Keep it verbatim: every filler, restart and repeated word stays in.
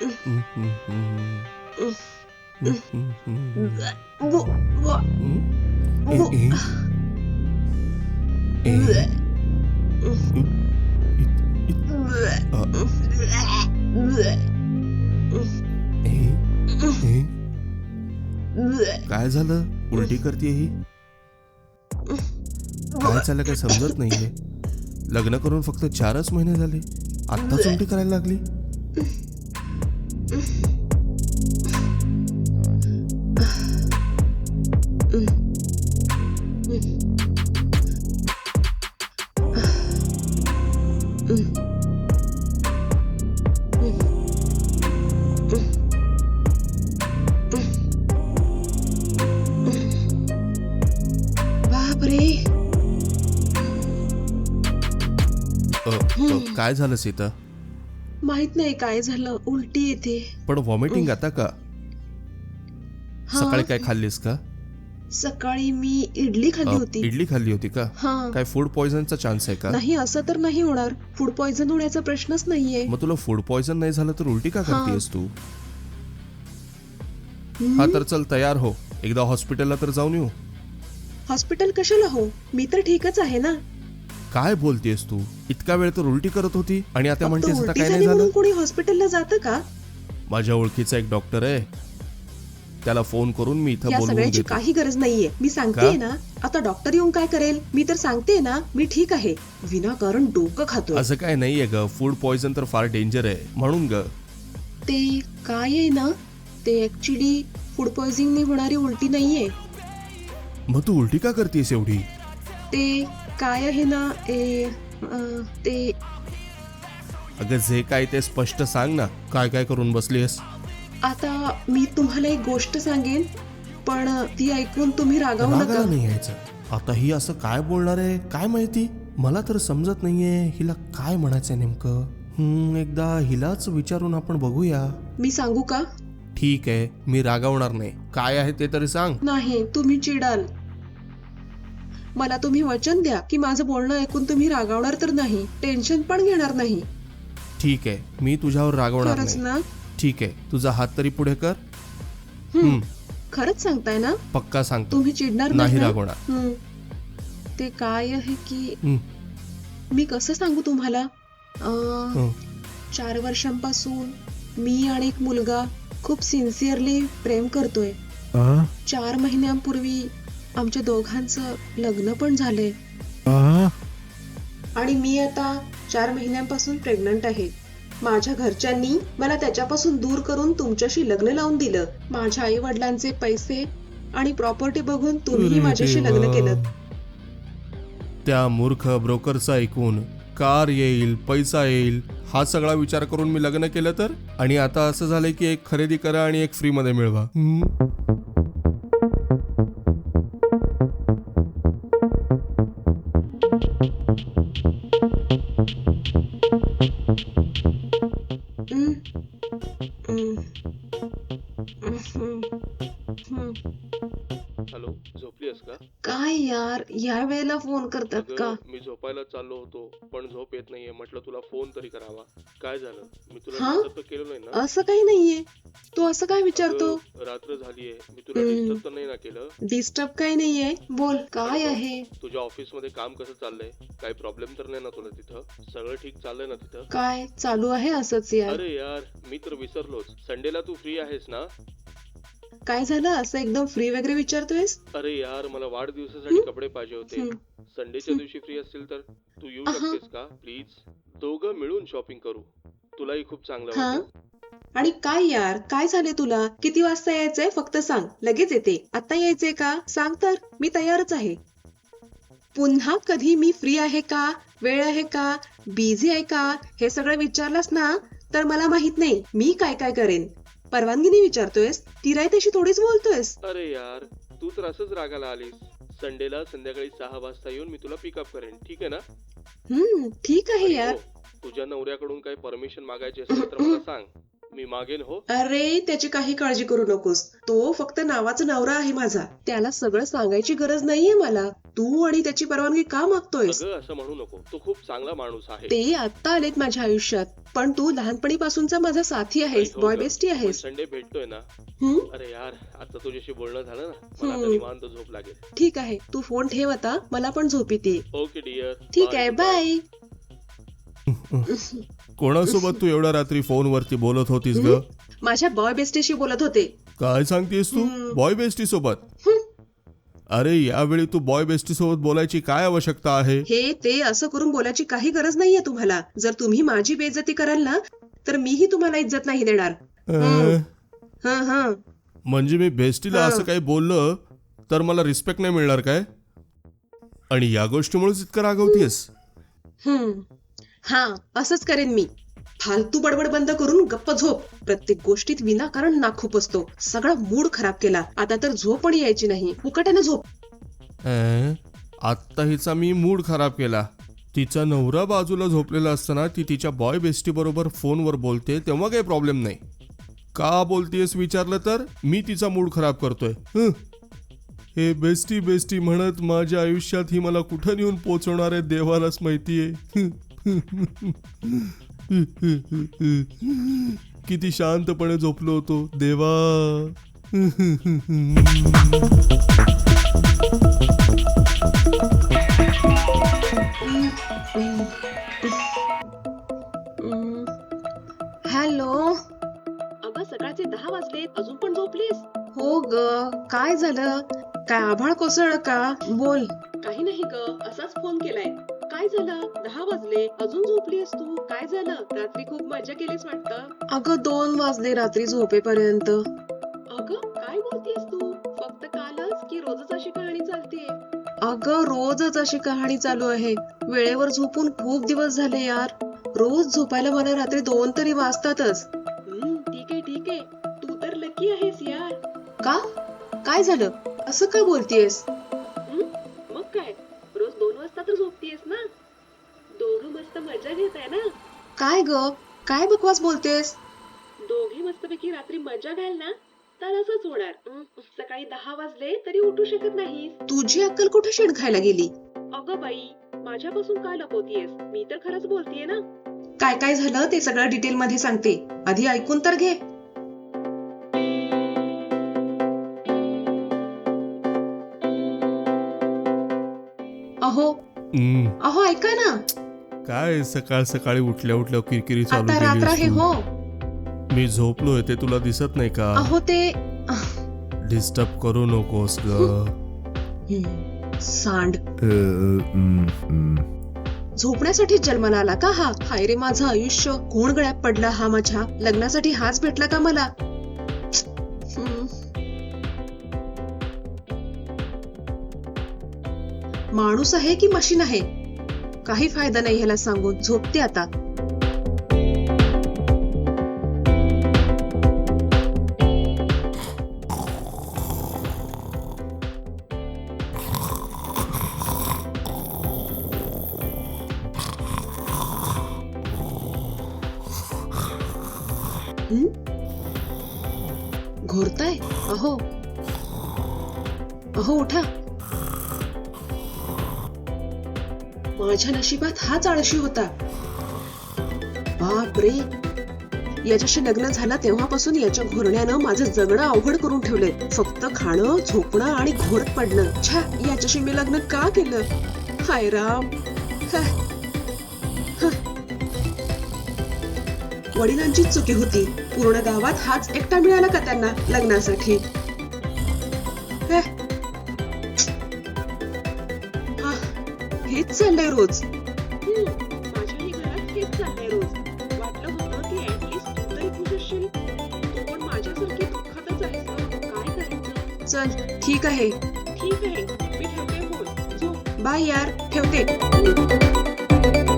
काय झालं? उलटी करते ही. काय चाललं काय समजत नाहीये. लग्न करून फक्त चारच महिने झाले, आत्ताच उलटी करायला लागली. काय झालं सीता? माहित नाही काय झालं, उलटी येते. पण व्हॉमिटिंग आता का? सकाळी काय खाल्लीस का? सकाळी मी इडली खाल्ली होती. इडली खाल्ली होती का? काय फूड पॉइझनचा चान्स आहे का? नाही, असं तर नाही होणार. फूड पॉइझन होण्याचा प्रश्नच नाहीये. मग तुला फूड पॉइझन नाही झालं तर उलटी का करतेस तू? हा तर चल तयार हो, एकदा हॉस्पिटलला तर जाऊन येऊ. हॉस्पिटल कशाला हो, मी तर ठीकच आहे ना. काय बोलतेस तू? इतका वेळ तर उलटी करत होती आणि आता म्हणतेस आता काय नाही झालं. कोणी हॉस्पिटलला जातं का? माझ्या ओळखीचा एक डॉक्टर आहे, त्याला फोन करून मी इथं बोलवून सगळ्याची घेतो. काही गरज नाहीये, मी सांगते ना. आता डॉक्टर येऊन काय करेल? मी तर सांगते ना, मी ठीक आहे. विनाकारण डोकं खातो. असं काय नाहीये ग, फूड पॉइझन तर फार डेंजर आहे म्हणून ग. ते काय आहे ना, ते ऍक्च्युली फूड पॉइझनिंगने होणारी उलटी नाहीये. मग तू उलटी का करतेस एवढी? ते काय आहे ना, ए, ते अगं जे काय ते स्पष्ट सांग ना, काय काय करून बसलीस? आता मी तुम्हाला एक गोष्ट सांगेन, पण ती ऐकून तुम्ही रागावू नका. नाही यायचं. आता ही असं काय बोलणार आहे काय माहिती, मला तर समजत नाहीये हिला काय म्हणायचंय नेमकं. हम्म एकदा हिलाच विचारून आपण बघूया. मी सांगू का? ठीक आहे, मी रागावणार नाही. काय आहे ते तरी सांग. नाही, तुम्ही चिडाल. मला तुम्ही वचन द्या की माझं बोलणं ऐकून तुम्ही रागावणार तर नाही, टेन्शन पण घेणार नाही. ठीक आहे, मी तुझ्यावर रागवणार खरंच नाही. ना? ठीक आहे, तुझा हात तरी पुढे कर. हम्म खरंच सांगताय ना? पक्का सांगतो. तुम्ही चिडणार नाही ना? रागवणार. ते काय आहे की हम्म. मी कसं सांगू तुम्हाला, हम्म. चार वर्षांपासून मी आणि एक मुलगा खूप सिन्सिअरली प्रेम करतोय. चार महिन्यांपूर्वी आमच्या दोघांचं लग्न पण झालंय आणि मी आता चार महिन्यांपासून प्रेग्नंट आहे. माझ्या घरच्यांनी मला त्याच्यापासून दूर करून तुमच्याशी लग्न लावून दिलं. माझ्या आई वडिलांचे पैसे आणि प्रॉपर्टी बघून तुम्ही माझ्याशी लग्न केलं. त्या मूर्ख ब्रोकरचा ऐकून कार येईल, पैसा येईल हा सगळा विचार करून मी लग्न केलं तर, आणि आता असं झालंय की एक खरेदी करा आणि एक फ्री मध्ये मिळवा. हॅलो, झोपलीस का? काय यार, या वेळेला फोन करतात का? मी झोपायला चाललो होतो पण झोप येत नाहीये, म्हटलं तुला फोन तरी करावा. काय झालं? मी तुला डिस्टर्ब तर केलं नाही ना? असं काही नाहीये. तू असं काय विचारतो? रात्र झालीये, मी तुला डिस्टर्ब तर नाही ना केलं? डिस्टर्ब काय नाहीये, बोल काय आहे? तुझ्या ऑफिस मध्ये काम कसं चाललंय? काही प्रॉब्लेम तर नाही ना तुला तिथं? सगळं ठीक चाललंय ना तिथं? काय चालू आहे असंच यार. अरे यार, मी तर विसरलोच. संडेला तू फ्री आहेस ना? काय झालं असं एकदम फ्री वगैरे विचारतोयस? अरे यार, मला वाढदिवसासाठी कपडे पाहिजे होते. संडेच्या दिवशी फ्री असतील तर तू येऊ शकतेस का प्लीज? दोघं मिळून शॉपिंग करू, तुलाही खूप चांगलं वाटेल. आणि काय यार, काय झाले तुला? किती वाजता यायचंय फक्त सांग, लगेच येते. आता यायचंय का सांग तर, मी तयारच आहे. पुन्हा कधी मी फ्री आहे का, वेळ आहे का, बिझी आहे का हे सगळं विचारलास ना तर मला माहित नाही मी काय काय करेन. परवानगीने विचारतोयस, ती राय तशी थोडीच बोलतोयस. अरे यार, तू तर असंच रागाला आलीस. संडेला संध्याकाळी सहा वाजता येऊन मी तुला पिकअप करेन, ठीक आहे ना? हम्म ठीक आहे यार. तुझ्या नवऱ्याकडून काही परमिशन मागायची असेल तर मला सांग, मी मागेन हो. अरे त्याची काही काळजी करू नकोस. तो फक्त नावाचा नवरा आहे माझा. त्याला सगळं सांगायची गरज नाहीये मला. तू आणि त्याची परवानगी का मागतोयस? अगं असं म्हणू नको, तू खूप चांगला माणूस आहे. ते आता आलेत माझ्या आयुष्यात, पण तू लहानपणीपासूनचा माझा साथी आहेस, हो बॉय गं, बेस्टी पण आहेस. संडे भेटतोय ना. हम्म अरे यार, आता तुझ्याशी बोलणं झालं ना, मला आता हम्म. निवांत झोप लागेल. ठीक आहे, तू फोन ठेव आता, मला पण झोप येते. Okay dear. ठीक आहे, बाय. कोणासोबत तू एवढ्या रात्री फोनवरती बोलत होतीस ग? माझ्या बॉय बेस्टीशी बोलत होते. काय सांगतेस तू? हम्म. बॉय बेस्टी सोबत? हम्म. अरे यावेळी तू बॉय बेस्टी सोबत बोलायची काय आवश्यकता आहे? हे ते असं करून बोलायची काही गरज नाहीये तुम्हाला. जर तुम्ही माझी बेइज्जती कराल ना, तर मीही तुम्हाला इज्जत नाही देणार. अं, हं हं म्हणजे मी बेस्टीला हा. असं काही बोललं तर मला रिस्पेक्ट नाही मिळणार काय? आणि या गोष्टीमुळेच इतकं रागवतीयस? हं हा असंच करेन मी. फालतू बडबड बंद करून गप्प झोप. प्रत्येक गोष्टीत विनाकारण नाखूप असतो. सगळा मूड खराब केला. आता तर झोप पण यायची नाही. फुकटाने झोप. अं, आत्ता हिचा मी मूड खराब केला. तिचा नवरा बाजूला झोपलेला असताना ती तिच्या बॉय बेस्टी बरोबर फोनवर बोलते तेव्हा काही प्रॉब्लेम नाही. का बोलतेस विचारलं तर मी तिचा मूड खराब करतोय. हं. हे बेस्टी बेस्टी म्हणत माझ्या आयुष्यात ही मला कुठं नेऊन पोचवणार आहे देवालाच माहितीये. किती शांतपणे झोपलो होतो देवा. हॅलो. अगं सकाळचे दहा वाजलेत, अजून पण झोपलीस? हो ग, काय झालं? काय आभाळ कोसळलं का? बोल. काही नाही ग, असाच फोन केलाय. काय झालं? दहा वाजले, अजून झोपलीस तू? काय झालं? रात्री खूप मजा केलीस वाटतं. अगं दोन वाजले रात्री झोपेपर्यंत. अगं काय बोलतेस तू? फक्त कालच की रोजच अशी कहाणी चालतीये? अगं रोजच अशी कहाणी चालू आहे. वेळेवर झोपून खूप दिवस झाले यार. रोज झोपायला मला रात्री दोन तरी वाजतातच. हम्म, ठीक आहे ठीक आहे. तू तर लकी आहेस यार. का? काय झालं? असं का बोलतेस? मग काय, रोज दोन वाजता तर झोपतेस ना. दोघं मस्त मजा घेत आहे ना. काय ग, काय बकवास बोलतेस? दोघे मस्तपैकी रात्री मजा घ्याल ना, तर असंच होणार. हं, सकाळी दहा वाजले तरी उठू शकत नाहीस. तुझी अक्कल कुठे शेण खायला गेली? अगं बाई, माझ्यापासून काय लपवतीयस? मी तर खरंच बोलतेय ना. काय काय झालं ते सगळं डिटेल मध्ये सांगते. आधी ऐकून तर घे. अहो हम्म, अहो ऐका ना. काय सकाळ सकाळी उठल्या उठल्या किरकिरी चालू आता रात्र आहे केलीस हो. तू? मी झोपलोय ते तुला दिसत नाही का? अहो ते डिस्टर्ब करू नकोस ग. हं, सांड. अ, हम्म, हम्म. झोपण्यासाठी जन्माला आला का हा? हाय रे माझं आयुष्य. कोण गळ्यात पडला हा माझ्या? लग्नासाठी हाच भेटला का मला? हं. माणूस आहे की मशीन आहे? काही फायदा नाही ह्याला सांगून. झोपते आता. हं? घोरताय? अहो अहो उठा. माझ्या नशिबात हाच आळशी होता. बाप रे, याच्याशी लग्न झालं तेव्हापासून याच्या घोरण्यानं माझं जगणं अवघड करून ठेवलंय. फक्त खाणं, झोपणं आणि घोरत पडणं. छा, याच्याशी मी लग्न का केलं? हाय राम. हा. हा. वडिलांचीच चुकी होती. पूर्ण गावात हाच एकटा मिळाला का त्यांना लग्नासाठी? हा. हा. हेच चाललंय रोज. हम्म, माझ्याही घरात हेच चाललंय रोज. वाटलं होतं की ऍटलीस्ट तू तरी खुश असशील. तू पण माझ्यासारखी दुःखातच आहेस ना. काय करायचं? चल ठीक आहे. ठीक आहे, मी ठेवते फोन. झोप. बाय यार, ठेवते.